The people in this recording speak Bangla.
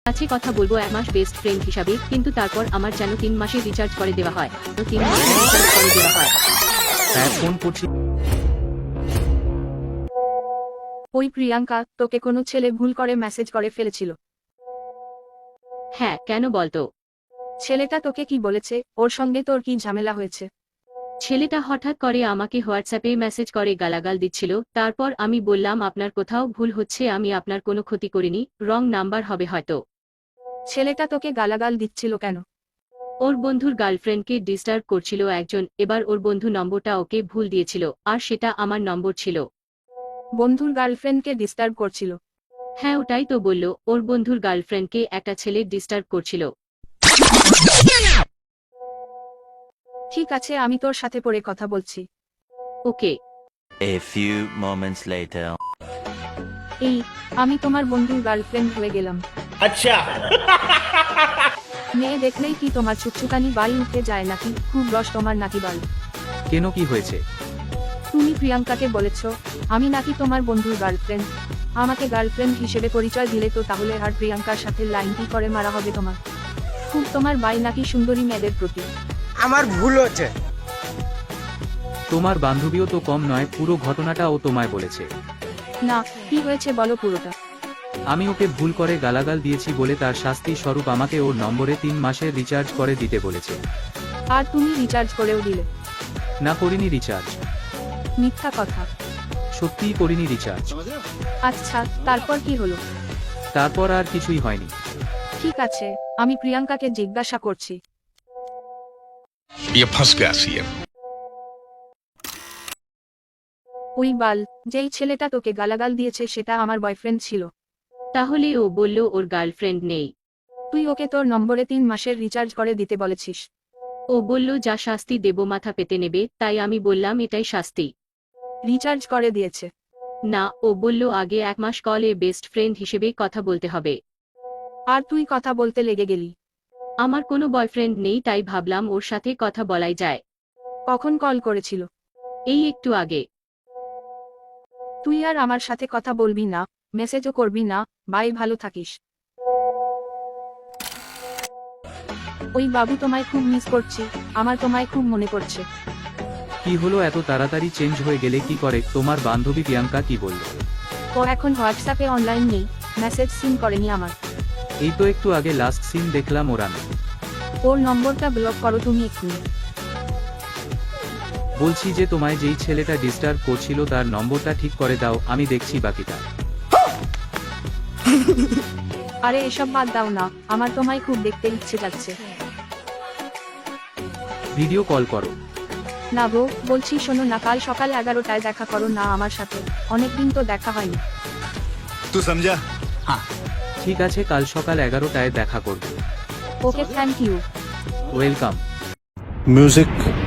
কাছে কথা বলবো 1 মাস বেস্ট ফ্রেন্ড হিসাবে, কিন্তু তারপর আমার যেন 3 মাসে রিচার্জ করে দেওয়া হয়। 3 মাসে রিচার্জ করে দেওয়া হয়। হ্যাঁ, ফোন করছি। ওই প্রিয়াঙ্কা, তোকে কোনো ছেলে ভুল করে মেসেজ করে ফেলেছিল। হ্যাঁ, কেন বলতো? ছেলেটা তোকে কি বলেছে? ওর সঙ্গে তোর কি ঝামেলা হয়েছে? ছেলেটা হঠাৎ করে আমাকে হোয়াটসঅ্যাপে মেসেজ করে গালাগাল দিচ্ছিল। তারপর আমি বললাম, আপনার কোথাও ভুল হচ্ছে, আমি আপনার কোনো ক্ষতি করিনি, রং নাম্বার হবে হয়তো। ছেলেটা তোকে গালাগাল দিচ্ছিল কেন? ওর বন্ধুর গার্লফ্রেন্ডকে ডিস্টার্ব করছিল একজন, এবার ওর বন্ধু নম্বরটা ওকে ভুল দিয়েছিল, আর সেটা আমার নম্বর ছিল। বন্ধুর গার্লফ্রেন্ডকে ডিস্টার্ব করছিল? হ্যাঁ, ওটাই তো বলল, ওর বন্ধুর গার্লফ্রেন্ডকে একটা ছেলে ডিস্টার্ব করছিল। ঠিক আছে, আমি তোর সাথে পরে কথা বলছি। ওকে। A few moments later. এই, আমি তোমার বন্ধুর গার্লফ্রেন্ড হয়ে গেলাম। अच्छा মেয়ে দেখলেই কি তোমার চুকচুকানি বাল উঠে যায় নাকি? খুব রস তোমার নাকি বাল? কেন, কি হয়েছে? তুমি প্রিয়াঙ্কাকে বলেছ আমি নাকি তোমার বন্ধুর গার্লফ্রেন্ড। আমাকে গার্লফ্রেন্ড হিসেবে পরিচয় দিলে তো তাহলে আর প্রিয়াঙ্কার সাথে লাইন কি করে মারা হবে তোমার? খুব তোমার বাই নাকি সুন্দরী মেয়েদের প্রতি? আমার ভুল হচ্ছে। তোমার বান্ধবীও তো কম নয়, পুরো ঘটনাটা ও তোমায় বলেছে। না, কি হয়েছে বলো পুরোটা। আমি ওকে ভুল করে গালাগাল দিয়েছি বলে তার শাস্তি স্বরূপ আমাকে ওর নম্বরে 3 মাসের রিচার্জ করে দিতে বলেছে। আর তুমি রিচার্জ করেও দিলে? না, করিনি রিচার্জ। মিথ্যা কথা। সত্যিই করিনি রিচার্জ। আচ্ছা, তারপর কি হলো? তারপর আর কিছুই হয়নি। ঠিক আছে, আমি প্রিয়াঙ্কাকে জিজ্ঞাসা করছি। ये फंस गया सीएम। ওই বাল, যেই ছেলেটা তোকে গালাগাল দিয়েছে সেটা আমার বয়ফ্রেন্ড ছিল। তাহলে ও বলল ওর গার্লফ্রেন্ড নেই। তুই ওকে তোর নম্বরে 3 মাসের রিচার্জ করে দিতে বলেছিস। ও বলল যা শাস্তি দেব মাথা পেতে নেবে, তাই আমি বললাম এটাই শাস্তি। রিচার্জ করে দিয়েছে? না, ও বলল আগে 1 মাস কলে বেস্ট ফ্রেন্ড হিসেবে কথা বলতে হবে। আর তুই কথা বলতে লেগে গেলি? আমার কোনো বয়ফ্রেন্ড নেই, তাই ভাবলাম ওর সাথে কথা বলাই যায়। কখন কল করেছিল? এই একটু আগে। তুই আর আমার সাথে কথা বলবি না, মেসেজও করবি না, বাই, ভালো থাকিস। ওই বাবু, তোমায় খুব মিস করছি, আমার তোমায় খুব মনে পড়ছে। কি হলো, এত তাড়াতাড়ি চেঞ্জ হয়ে গেলে কি করে? তোমার বান্ধবী প্রিয়াঙ্কা কি বলল? ও এখন হোয়াটসঅ্যাপে অনলাইন নেই, মেসেজ সিন করেনি আমার। এই তো একটু আগে লাস্ট সিন দেখলাম ওর আমি। ওর নম্বরটা ব্লক করো তুমি এক্ষুনি। বলছি যে তোমায় যেই ছেলেটা ডিস্টার্ব করছিল তার নম্বরটা ঠিক করে দাও, আমি দেখছি বাকিটা। আরে এসব বাদ দাও না, আমার তোমায় খুব দেখতে ইচ্ছে যাচ্ছে। ভিডিও কল করো। না গো, বলছি শোনো না, কাল সকাল 11টায় দেখা করো না আমার সাথে, অনেকদিন তো দেখা হয়নি। तू समझा? ঠিক আছে, কাল সকাল 11টায় দেখা করব। Okay, thank you. Welcome. music